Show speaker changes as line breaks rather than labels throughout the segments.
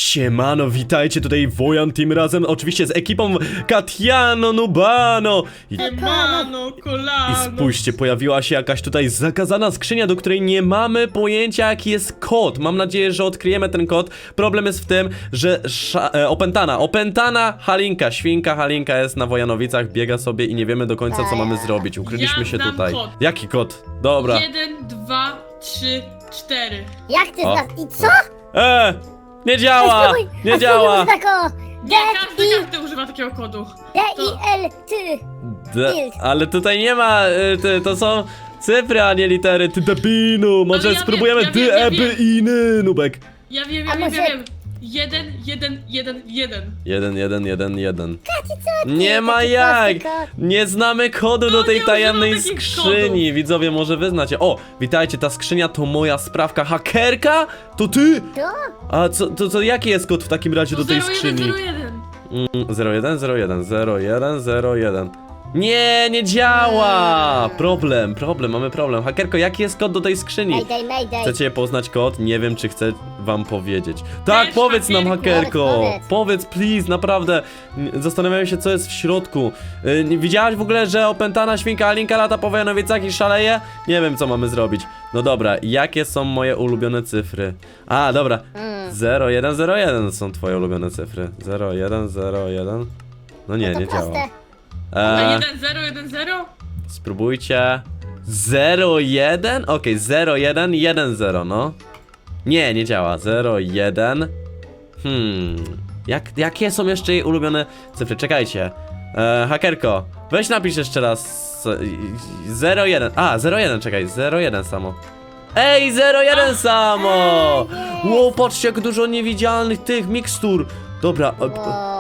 Siemano, witajcie tutaj Wojan tym razem, oczywiście z ekipą Katiano Nubano.
Siemano, kolano.
I spójrzcie, pojawiła się jakaś tutaj zakazana skrzynia, do której nie mamy pojęcia jaki jest kod. Mam nadzieję, że odkryjemy ten kod. Problem jest w tym, że opętana Halinka, świnka Halinka jest na Wojanowicach, biega sobie i nie wiemy do końca co mamy zrobić. Ukryliśmy
Ja
się
znam
tutaj.
kod.
Jaki kod? Dobra.
1, 2, 3, 4.
Jak ty
O.
znasz? I co?
Nie działa! Nie działa!
Nie, każdy używa takiego kodu.
D-I-L-T.
Ale tutaj nie ma, to są cyfry, a nie litery, ty debinu. Może
Ale ja
spróbujemy
wiem, ja wiem.
iny, Nubek.
Ja wiem.
A może-
1, 1, 1, 1.
1, 1, 1, 1.
Katy, co ty?
Nie ma
Taki
jak!
prosty kod.
Nie znamy kodu do
No,
tej
nie
tajemnej
używam takich
skrzyni. Widzowie, może wy znacie. O, witajcie, ta skrzynia to moja sprawka. Hakerka? To ty?
To?
A co jaki jest kod w takim razie do tej
0,
skrzyni?
1, 0, 1.
0, 1, 0, 1, 0, 1, 0, 1. Nie działa! Problem, mamy problem. Hakerko, jaki jest kod do tej skrzyni?
Mayday.
Chcecie poznać kod? Nie wiem, czy chcę wam powiedzieć. Tak,
Też,
powiedz nam,
hakerku.
hakerko!
Powiedz.
Powiedz, please, naprawdę. Zastanawiam się, co jest w środku. Widziałaś w ogóle, że opętana świnka Alinka lata po Wojanowicach i szaleje? Nie wiem, co mamy zrobić. No dobra, jakie są moje ulubione cyfry? A, dobra. 0, 1, 0, 1 są twoje ulubione cyfry. 0, 1, 0, 1. No nie,
To
nie
proste.
działa.
A 1, 0, 1, 0?
Spróbujcie. 0, 1? Okej, 0, 1, 1, 0, no. Nie działa. 0, 1. Jakie są jeszcze jej ulubione cyfry? Czekajcie. Hakerko, weź napisz jeszcze raz. 0, 1. A, 0, 1, czekaj. 0, 1 samo. Ej, 0, 1 samo! Wow, patrzcie, jak dużo niewidzialnych tych mikstur. Dobra,
Wow.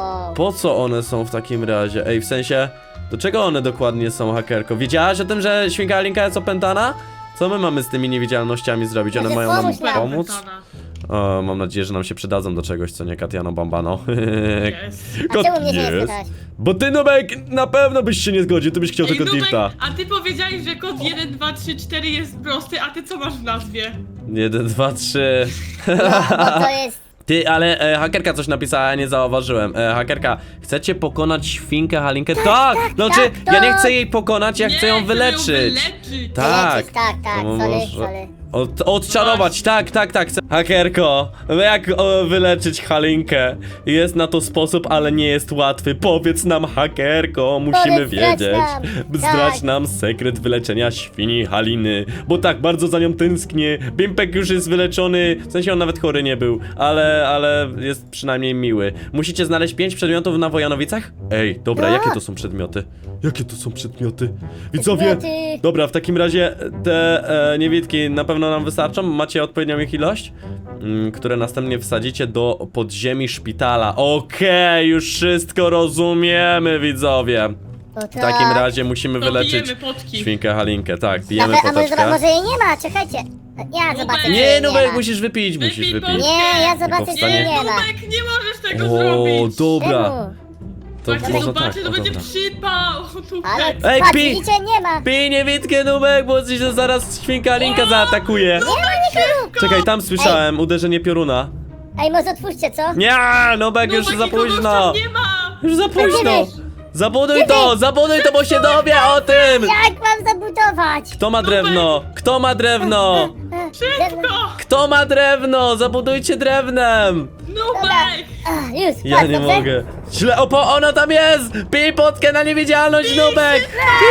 po co one są w takim razie? Ej, w sensie, do czego one dokładnie są, hakerko? Wiedziałaś o tym, że świnka Alinka jest opętana? Co my mamy z tymi niewidzialnościami zrobić? One
Może
mają nam
pomóż nam.
pomóc?
Opętana.
O, mam nadzieję, że nam się przydadzą do czegoś, co nie Katiano Bambano.
Jest.
A czemu mnie się nie spytałeś?
Bo ty, Nubek, na pewno byś się nie zgodził, ty byś chciał
Ej,
tylko
Nubek,
dirta.
a ty powiedziałeś, że kod 1, 2, 3, 4 jest prosty, a ty co masz w nazwie?
1, 2, 3.
No, bo to jest...
Ty, ale hakerka coś napisała, ja nie zauważyłem. Hakerka, chcecie pokonać świnkę Halinkę? Tak! Znaczy,
tak,
ja nie
tak.
chcę jej pokonać, ja chcę ją wyleczyć.
wyleczyć.
Tak.
Wyleczyć, tak,
No
sorry.
może- Odczarować, tak. Hakerko, jak wyleczyć Halinkę? Jest na to sposób, ale nie jest łatwy. Powiedz nam, hakerko, musimy
Powiedz, zdradź
wiedzieć.
nam.
Zdradź
Tak.
nam sekret wyleczenia świni Haliny. Bo tak, bardzo za nią tęsknię. Bimpek już jest wyleczony, w sensie on nawet chory nie był, ale jest przynajmniej miły. Musicie znaleźć 5 przedmiotów na Wojanowicach? Ej, dobra,
Tak.
jakie to są przedmioty? Jakie to są przedmioty? Widzowie,
Przedmioty.
dobra, w takim razie te niewidki na pewno nam wystarczą. Macie odpowiednią ich ilość, które następnie wsadzicie do podziemi szpitala. Okej, już wszystko rozumiemy, widzowie.
No
W takim razie musimy
To
wyleczyć
bijemy potki.
świnkę Halinkę. Tak, bijemy
A może
poteczkę.
jej nie ma, czekajcie. Ja zobaczę, czy
Nie,
jej
Nubek,
ma.
musisz wypić, musisz
Wypij
wypić.
potkę.
Nie, ja zobaczę, czy
powstanie-
jej nie ma.
Nubek, nie możesz tego
O,
zrobić.
dobra.
Czemu?
To
Jak
może
zobaczy,
tak,
to
o,
będzie
dobra.
przypał.
Ale
Nubek.
Ej,
patrz,
pi-
widzicie, nie ma.
Pij niewidkę, Nubek, bo ci się zaraz świnka Halinka zaatakuje. Czekaj, tam słyszałem uderzenie pioruna.
Ej, może otwórzcie, co?
Nie, Nubek, już
Nubek,
za
nikogo
późno.
tam nie ma.
Już za późno.
Będziesz.
Zabuduj to, bo się dowie o tym.
Jak mam zabudować?
Kto ma drewno? Kto ma drewno?
Szybko.
Kto ma drewno? Zabudujcie drewnem.
Nubek.
Już,
Ja
patrz,
nie
dobrze?
mogę. Źle, ono tam jest! Pij potkę na niewidzialność, Nubek!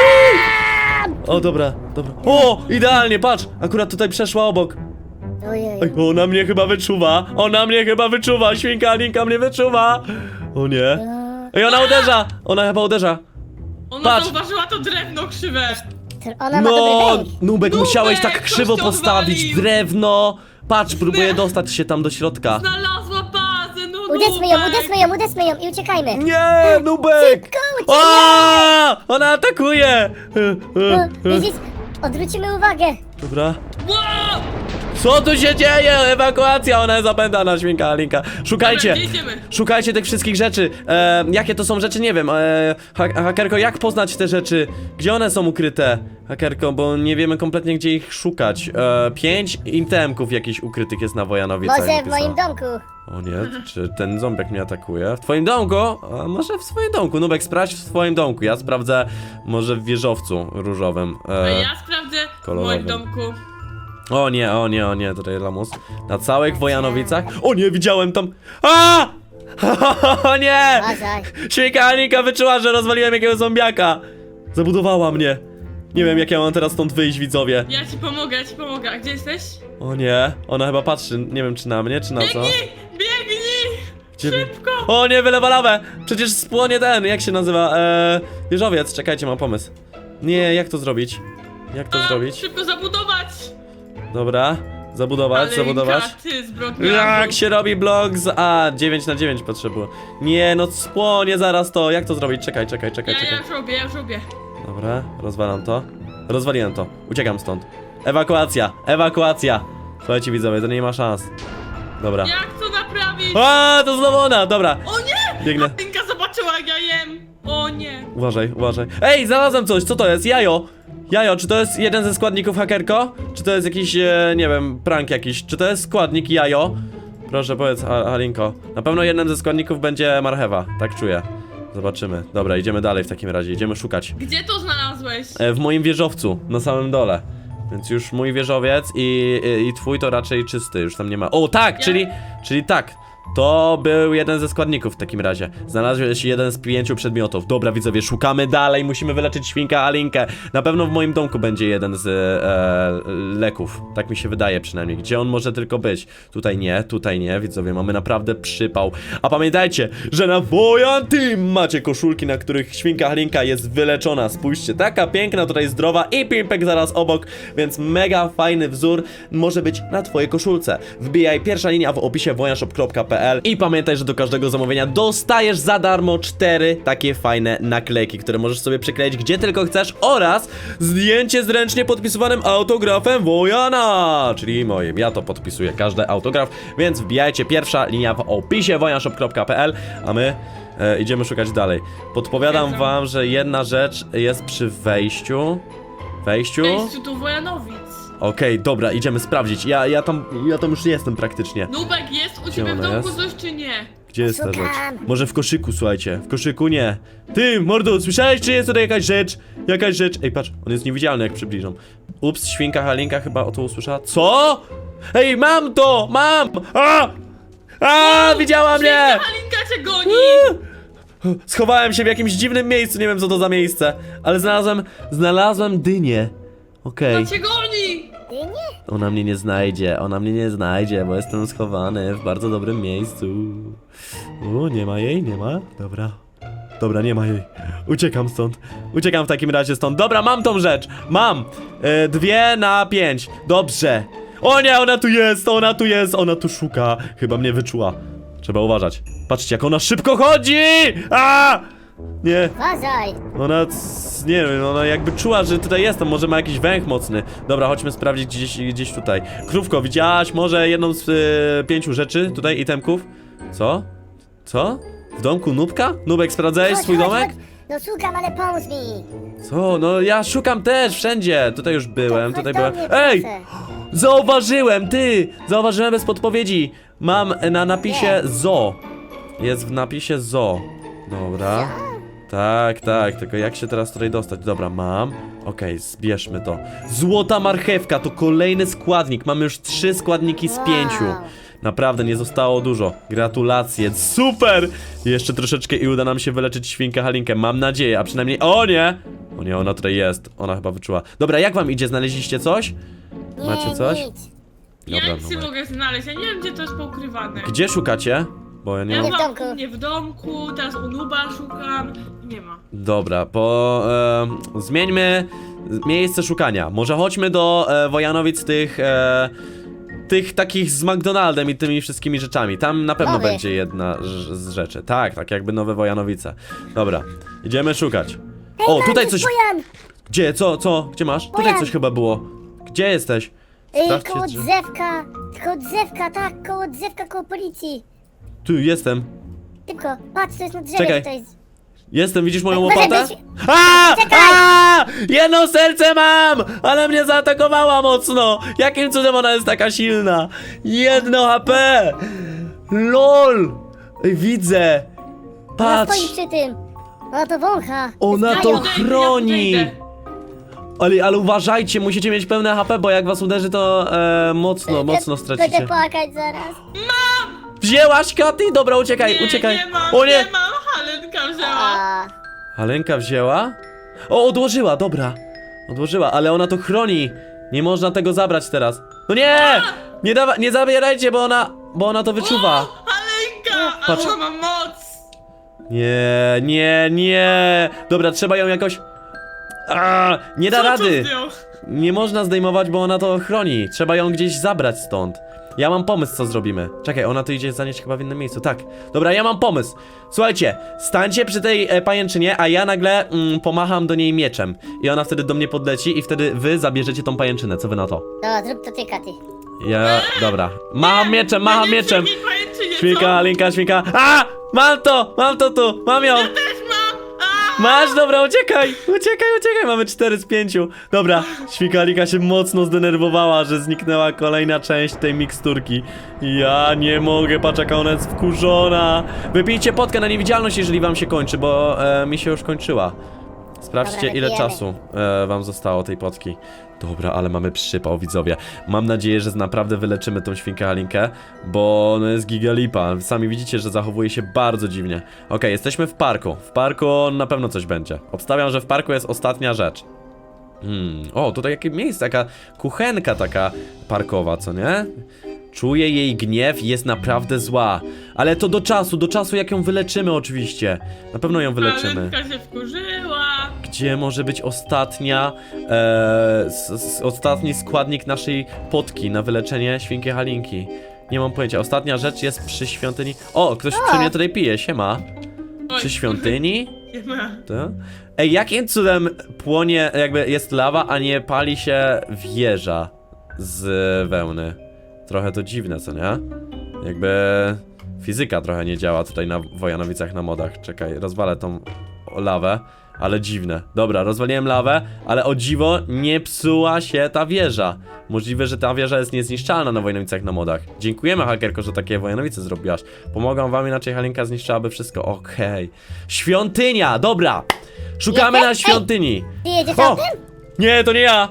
Pij! O, dobra. O, idealnie, patrz! Akurat tutaj przeszła obok.
Ojej.
Ej, ona mnie chyba wyczuwa! Świnka Alinka mnie wyczuwa! O nie. Ej, ona chyba uderza.
Ona
Patrz.
zauważyła to drewno krzywe.
Ona ma
No,
dobry bęk.
Nubek, musiałeś tak
ktoś
krzywo
to
postawić
odwalił.
drewno. Patrz, próbuję dostać się tam do środka.
Znalazła bazę, no
Uderzmy ją i uciekajmy.
Nie, Nubek!
Szybko, uciekaj!
O! Ona atakuje!
Widzisz? Odwrócimy uwagę.
Dobra.
Wow!
Co tu się dzieje? Ewakuacja, ona jest opętana, świnka Alinka. Szukajcie!
Dobra, gdzie idziemy?
Szukajcie tych wszystkich rzeczy. Jakie to są rzeczy? Nie wiem. Hakerko, jak poznać te rzeczy? Gdzie one są ukryte? Hakerko, bo nie wiemy kompletnie, gdzie ich szukać. 5 itemków jakichś ukrytych jest na Wojanowicach.
Może w
napisane.
moim domku.
O nie, czy ten zombiak mnie atakuje? W twoim domku? A może w swoim domku. Nubek, sprawdź w swoim domku. Ja sprawdzę może w wieżowcu różowym.
A ja sprawdzę w
kolorowym.
moim domku.
O nie, tutaj lamus. Na całych Wojanowicach? O nie, widziałem tam. A! O nie!
Uważaj.
Świnka Alinka wyczuła, że rozwaliłem jakiegoś zombiaka. Zabudowała mnie. Nie wiem, jak ja mam teraz stąd wyjść, widzowie.
Ja ci pomogę. A gdzie jesteś?
O nie, ona chyba patrzy, nie wiem, czy na mnie, czy na co.
Biegnij!
Gdzie...
Szybko!
O nie, wylewa lawę! Przecież spłonie ten, jak się nazywa? Wieżowiec, czekajcie, mam pomysł. Nie, jak to zrobić? Jak to zrobić?
Szybko zabudować!
Dobra, zabudować.
Ty zbrodniarzu.
Jak się robi blok z... 9 na 9 potrzebuję. Nie, no spłonie zaraz to. Jak to zrobić? Czekaj.
Ja już robię.
Dobra, rozwalam to. Rozwaliłem to. Uciekam stąd. Ewakuacja. Słuchajcie, widzowie, to nie ma szans. Dobra.
Jak to naprawić?
To znowu ona, dobra.
O nie!
Biegnę.
Martynka zobaczyła, jak ja jem. O nie.
Uważaj. Ej, znalazłem coś, co to jest? Jajo, czy to jest jeden ze składników, hakerko? Czy to jest jakiś, nie wiem, prank jakiś? Czy to jest składnik jajo? Proszę, powiedz, Alinko. Na pewno jednym ze składników będzie marchewa, tak czuję. Zobaczymy. Dobra, idziemy dalej w takim razie, idziemy szukać.
Gdzie to znalazłeś?
W moim wieżowcu, na samym dole. Więc już mój wieżowiec i twój to raczej czysty, już tam nie ma. O, tak, czyli tak. To był jeden ze składników w takim razie. Znalazłeś jeden z 5 przedmiotów. Dobra, widzowie, szukamy dalej, musimy wyleczyć świnkę Alinkę. Na pewno w moim domku będzie jeden z leków. Tak mi się wydaje przynajmniej. Gdzie on może tylko być? Tutaj nie, widzowie, mamy naprawdę przypał. A pamiętajcie, że na Wojan Team macie koszulki, na których świnka Alinka jest wyleczona. Spójrzcie, taka piękna, tutaj zdrowa i pimpek zaraz obok, więc mega fajny wzór może być na twojej koszulce. Wbijaj, pierwsza linia w opisie wojanshop.pl i pamiętaj, że do każdego zamówienia dostajesz za darmo 4 takie fajne naklejki, które możesz sobie przykleić gdzie tylko chcesz oraz zdjęcie z ręcznie podpisywanym autografem Wojana, czyli moim. Ja to podpisuję, każdy autograf, więc wbijajcie, pierwsza linia w opisie wojanshop.pl, a my idziemy szukać dalej. Podpowiadam wam, że jedna rzecz jest przy wejściu.
Wejściu do Wojanowic.
Okej, dobra, idziemy sprawdzić. Ja tam już jestem praktycznie.
Nubek, jest u ciebie w
ona
domku
jest?
coś czy nie?
Gdzie jest ta
Szukam.
rzecz? Może w koszyku, słuchajcie. W koszyku nie. Ty, mordo, słyszałeś, czy jest tutaj jakaś rzecz? Ej, patrz, on jest niewidzialny, jak przybliżam. Ups, świnka Halinka chyba o to usłyszała. Co? Ej, mam to! Mam! Widziała mnie!
Halinka cię goni!
Schowałem się w jakimś dziwnym miejscu, nie wiem co to za miejsce. Ale znalazłem dynię. Okej.
To cię goni!
Ty nie?
Ona mnie nie znajdzie, bo jestem schowany w bardzo dobrym miejscu. Nie ma jej, nie ma? Dobra, nie ma jej. Uciekam stąd. Uciekam w takim razie stąd. Dobra, mam tą rzecz. Mam. 2 na 5. Dobrze. O nie, ona tu jest, ona tu szuka. Chyba mnie wyczuła. Trzeba uważać. Patrzcie, jak ona szybko chodzi! Nie.
Uważaj.
Nie wiem, ona jakby czuła, że tutaj jestem, może ma jakiś węch mocny. Dobra, chodźmy sprawdzić gdzieś tutaj. Krówko, widziałaś może jedną z 5 rzeczy tutaj, itemków? Co? W domku Nubka? Nubek, sprawdzałeś swój domek?
No szukam, ale pomóż mi.
Co? No ja szukam też, wszędzie. Tutaj już byłem,
Chodź
tutaj
do
byłem.
mnie,
Ej!
proszę.
Zauważyłem bez podpowiedzi. Mam na napisie zoo. Jest w napisie zoo. Dobra. Tak, tylko jak się teraz tutaj dostać? Dobra, mam. Okej, zbierzmy to. Złota marchewka to kolejny składnik. Mamy już 3 składniki z 5.
Wow.
Naprawdę nie zostało dużo. Gratulacje, super! Jeszcze troszeczkę i uda nam się wyleczyć świnkę Halinkę. Mam nadzieję, a przynajmniej... O nie, ona tutaj jest. Ona chyba wyczuła. Dobra, jak wam idzie? Znaleźliście coś?
Nie,
Macie coś?
nic.
Ja
Dobra,
nic nie mogę znaleźć, ja nie wiem gdzie to jest poukrywane.
Gdzie szukacie? Bo ja nie
Ja
mam...
w
mam
domku.
nie w domku, teraz u Nuba szukam. Nie ma.
Dobra, zmieńmy miejsce szukania. Może chodźmy do Wojanowic tych takich z McDonaldem i tymi wszystkimi rzeczami. Tam na pewno
Nowy.
będzie jedna z rzeczy. Tak jakby nowe Wojanowice. Dobra, idziemy szukać. O,
Mam
tutaj
tu
coś...
Wojan.
Gdzie? Co? Gdzie masz? Tutaj
Wojan.
coś chyba było. Gdzie jesteś? Sprawdźcie,
Koło
czy-
drzewka, tak, koło drzewka, koło policji.
Tu jestem.
Szybko, patrz, to jest na drzewie,
Czekaj.
to jest...
Jestem, widzisz moją
Może
łopatę?
być-
A!
Czekaj!
A! Jedno serce mam! Ale mnie zaatakowała mocno! Jakim cudem ona jest taka silna? 1 HP! LOL! Ej, widzę!
Ona
Patrz!
stoi przy tym. Ona to wącha.
Ona
jest
to
pająk.
chroni! Ale uważajcie, musicie mieć pełne HP, bo jak was uderzy, to mocno
Będę
stracicie.
płakać zaraz.
Wzięłaś, Katy? Dobra, uciekaj, uciekaj.
Nie mam,
O nie!
nie mam, Halenka wzięła.
A,
Halenka wzięła? O, odłożyła, dobra. Odłożyła, ale ona to chroni. Nie można tego zabrać teraz. No nie! Nie zabierajcie, bo ona to wyczuwa.
Halenka, a
Patrz.
ona ma moc.
Nie. Dobra, trzeba ją jakoś... nie da
Co
rady.
tu zdjął?
Nie można zdejmować, bo ona to chroni. Trzeba ją gdzieś zabrać stąd. Ja mam pomysł, co zrobimy. Czekaj, ona tu idzie zanieść chyba w innym miejscu. Tak. Dobra, ja mam pomysł. Słuchajcie, stańcie przy tej pajęczynie, a ja nagle pomacham do niej mieczem. I ona wtedy do mnie podleci i wtedy wy zabierzecie tą pajęczynę. Co wy na to?
dobra, zrób to ty, Katy.
Dobra. Macham mieczem,
Ja
macham
nie
mieczem.
wiem, jej pajęczynie, co?
Świnka, linka, świnka. Mam to tu, mam ją.
Też mam.
Masz, dobra, uciekaj, mamy 4 z 5. Dobra, świnkalika się mocno zdenerwowała, że zniknęła kolejna część tej miksturki. Ja nie mogę, patrz jaka ona jest wkurzona. Wypijcie potkę na niewidzialność, jeżeli wam się kończy, bo mi się już kończyła. Sprawdźcie,
Dobra,
ile
wypijemy.
czasu wam zostało tej potki. Dobra, ale mamy przypał, widzowie. Mam nadzieję, że naprawdę wyleczymy tą świnkę Halinkę, bo no jest gigalipa. Sami widzicie, że zachowuje się bardzo dziwnie. Okej, jesteśmy w parku. W parku na pewno coś będzie. Obstawiam, że w parku jest ostatnia rzecz. O, tutaj jakie miejsce, taka kuchenka taka parkowa, co nie? Czuję jej gniew i jest naprawdę zła. Ale to do czasu jak ją wyleczymy oczywiście. Na pewno ją wyleczymy.
Halenka się wkurzyła.
Gdzie może być ostatnia, ostatni składnik naszej potki na wyleczenie świnki Halinki? Nie mam pojęcia. Ostatnia rzecz jest przy świątyni. O, ktoś przy mnie tutaj pije, siema.
Oj,
Przy świątyni?
Nie ma.
To? Ej, jakim cudem płonie, jakby jest lawa, a nie pali się wieża z wełny? Trochę to dziwne, co nie? Jakby fizyka trochę nie działa tutaj na Wojanowicach na modach. Czekaj, rozwalę tą lawę, ale dziwne. Dobra, rozwaliłem lawę, ale o dziwo nie psuła się ta wieża. Możliwe, że ta wieża jest niezniszczalna na Wojanowicach na modach. Dziękujemy, hakerko, że takie Wojanowice zrobiłaś. Pomogą wam, inaczej Halinka zniszczyłaby wszystko. Okej. Świątynia, dobra. Szukamy na świątyni.
Ty jedziesz
O!
autem?
Nie, to nie ja.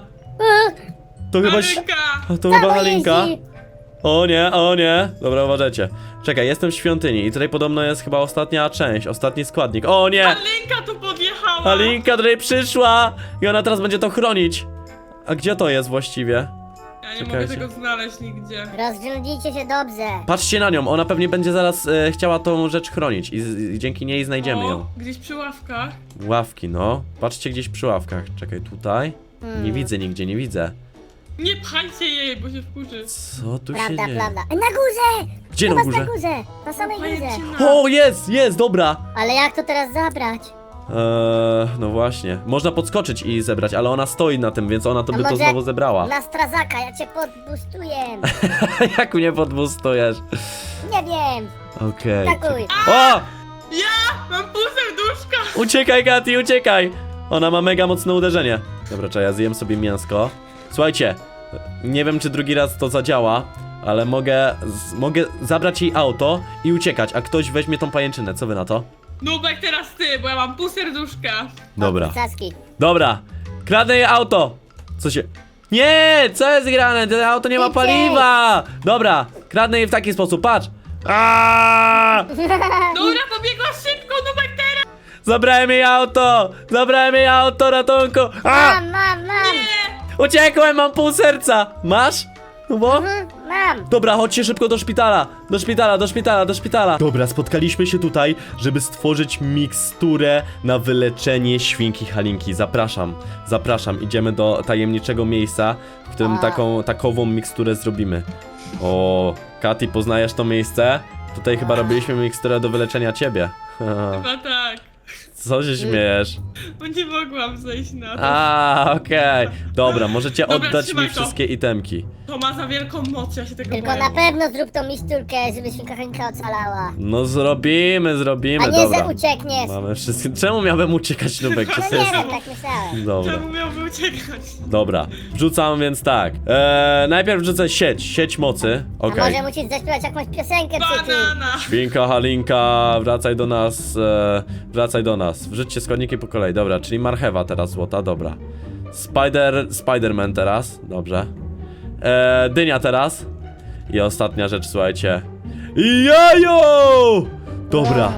To chyba...
Halenka.
To chyba
Samo
Halinka.
jeździ.
O nie. Dobra, uważajcie. Czekaj, jestem w świątyni i tutaj podobno jest chyba ostatnia część, ostatni składnik. O nie!
Halenka tu podjechała.
Halinka tutaj przyszła i ona teraz będzie to chronić. A gdzie to jest właściwie?
Ja nie
Czekajcie.
mogę tego znaleźć nigdzie.
Rozrządzicie się dobrze.
Patrzcie na nią, ona pewnie będzie zaraz chciała tą rzecz chronić i dzięki niej znajdziemy ją.
Gdzieś przy ławkach.
Ławki, no. Patrzcie gdzieś przy ławkach. Czekaj, tutaj? Nie widzę nigdzie, nie widzę.
Nie pchajcie jej, bo się wkurzy.
Co tu się
Prawda,
dzieje?
prawda. Na górze!
Gdzie
U
na
was
górze?
na górze! Na samej górze.
Pajęczyna.
O, jest, dobra.
Ale jak to teraz zabrać?
No właśnie. Można podskoczyć i zebrać, ale ona stoi na tym, więc ona to
A
by to
może
znowu zebrała.
Na strazaka, ja cię podbustuję.
Jak mnie podbustujesz?
Nie wiem.
Okej.
Takuj.
O!
Ja mam pół serduszka.
Uciekaj, Katy, uciekaj! Ona ma mega mocne uderzenie. Dobra, czekaj, ja zjem sobie mięsko. Słuchajcie, nie wiem czy drugi raz to zadziała, ale mogę zabrać jej auto i uciekać, a ktoś weźmie tą pajęczynę. Co wy na to?
Nubek, teraz ty, bo ja mam pół serduszka.
Dobra.
Caski.
Dobra, kradnę jej auto! Co się... Nie! Co jest grane? To auto nie ma
Szybciej!
paliwa! Dobra, kradnę jej w taki sposób, patrz! Aaaa!
Dobra, pobiegła szybko, Nubek, teraz.
Zabrałem jej auto! Zabrałem jej auto, ratunku! A!
Mam.
Uciekłem, mam pół serca! Masz? No bo?
Mam.
Dobra, chodźcie szybko do szpitala! Do szpitala! Dobra, spotkaliśmy się tutaj, żeby stworzyć miksturę na wyleczenie świnki Halinki. Zapraszam, idziemy do tajemniczego miejsca, w którym takową miksturę zrobimy. O, Katy, poznajesz to miejsce? Tutaj chyba robiliśmy miksturę do wyleczenia ciebie.
Chyba tak.
Co się śmiejesz?
Bo nie mogłam zejść na to.
A, okej. Dobra, możecie
Dobra,
oddać
trzymaj
mi
to.
wszystkie itemki.
To ma za wielką moc, ja się tego
Tylko
boję.
na pewno zrób tą misturkę, żeby świnka Halinka ocalała.
No zrobimy,
A nie,
dobra.
że uciekniesz.
Mamy wszystkie. Czemu miałbym uciekać, Nubek? Czy
No
to
nie
jest...
wiem, tak myślałem.
Dobra.
Czemu miałby uciekać?
Dobra, wrzucam więc tak. Najpierw wrzucę sieć mocy.
A
Okej.
może musisz zaśpiewać jakąś piosenkę przy tym.
Banana!
Świnka Halinka, wracaj do nas. Wracaj do nas. Wrzućcie składniki po kolei. Dobra, czyli marchewa teraz złota, dobra. Spiderman teraz, dobrze. Dynia teraz. I ostatnia rzecz, słuchajcie. Jajo! Dobra.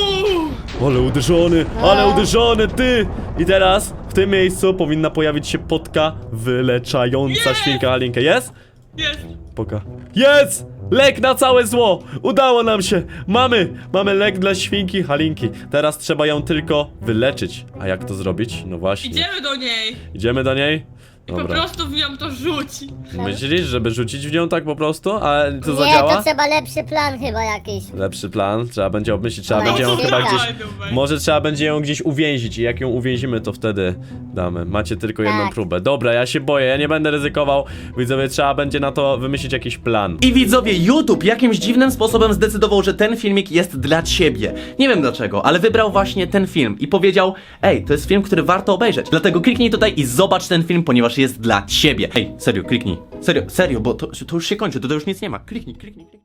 Ale uderzony, ty! I teraz w tym miejscu powinna pojawić się potka wyleczająca świnkę Halinkę. Jest?
Jest!
Poka. Jest! Lek na całe zło! Udało nam się! Mamy lek dla świnki Halinki. Teraz trzeba ją tylko wyleczyć. A jak to zrobić? No właśnie.
Idziemy do niej!
Idziemy do niej?
I po
Dobra.
prostu w nią to rzuci.
Myślisz, żeby rzucić w nią tak po prostu? A to
Nie,
zadziała?
to trzeba lepszy plan chyba jakiś.
Lepszy plan, trzeba będzie obmyślić, trzeba
No,
będzie ją
no,
chyba
no,
gdzieś...
Dawaj.
Może trzeba będzie ją gdzieś uwięzić i jak ją uwięzimy, to wtedy damy. Macie tylko jedną
Tak.
próbę. Dobra, ja się boję, ja nie będę ryzykował. Widzowie, trzeba będzie na to wymyślić jakiś plan.
I widzowie, YouTube jakimś dziwnym sposobem zdecydował, że ten filmik jest dla ciebie. Nie wiem dlaczego, ale wybrał właśnie ten film i powiedział: ej, to jest film, który warto obejrzeć. Dlatego kliknij tutaj i zobacz ten film, ponieważ jest dla ciebie. Ej, serio, kliknij. Serio, bo to już się kończy, to już nic nie ma. Kliknij.